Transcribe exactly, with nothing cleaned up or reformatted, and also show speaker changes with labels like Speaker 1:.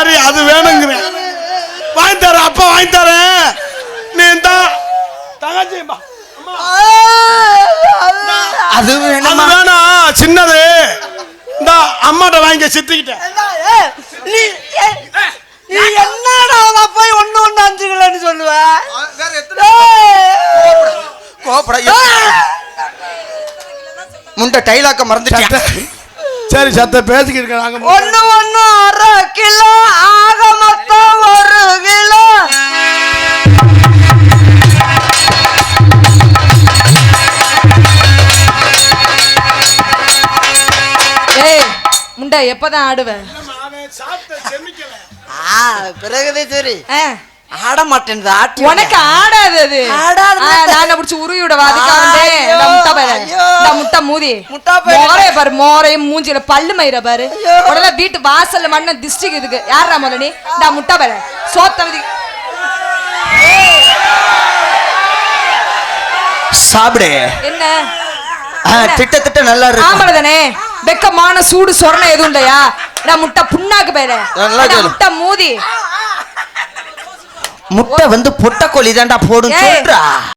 Speaker 1: சரி அது வேணுங்கிறேன். வாங்கி தரேன், அப்பா வாங்கி தரேன். நீ தான் தங்கச்சி
Speaker 2: அது வேணும்
Speaker 1: வேணாம், சின்னது இந்த அம்மாட்ட வாங்கி சித்திக்கிட்டேன்.
Speaker 3: நீ என்னடா போய் ஒண்ணு ஒண்ணு அஞ்சு கிலோன்னு சொல்லுவ?
Speaker 2: முண்ட டைலாக்க மறந்துட்டேன்.
Speaker 1: சரி சத்த பேசிக்கிட்டு இருக்காங்க.
Speaker 3: ஒண்ணு ஒண்ணு அரை கிலோ ஆக மொத்தம் ஒரு கிலோ.
Speaker 4: ஏய் முண்டை எப்பதான் ஆடுவேன்?
Speaker 3: பிறகுதே சரி ஆட மாட்டேன்.
Speaker 4: உனக்கு ஆடாது அது. நான் பிடிச்சி உருவி விடவா? அதுக்காக முட்டை மூதி மோரைய பாரு, மோரையும் மூஞ்சில பல்லு மயிர பாரு. உடனே வீட்டு வாசல்ல மண்ண டிஸ்ட்ரிக் இதுக்கு யாரா முதல்ல நீ? நான் முட்டை பாரு சோத்தவதி
Speaker 2: சாப்பிடு.
Speaker 4: என்ன
Speaker 2: திட்டத்திட்ட நல்லா இருக்கு.
Speaker 4: ஆமால தானே வெக்கமான சூடு சொரணை எதுவும் இல்லையா? நான் முட்டை புண்ணாக்கு பேரு முட்டை மூதி.
Speaker 2: முட்டை வந்து பொட்டக்கோழி தான்டா போடும் சொல்றா.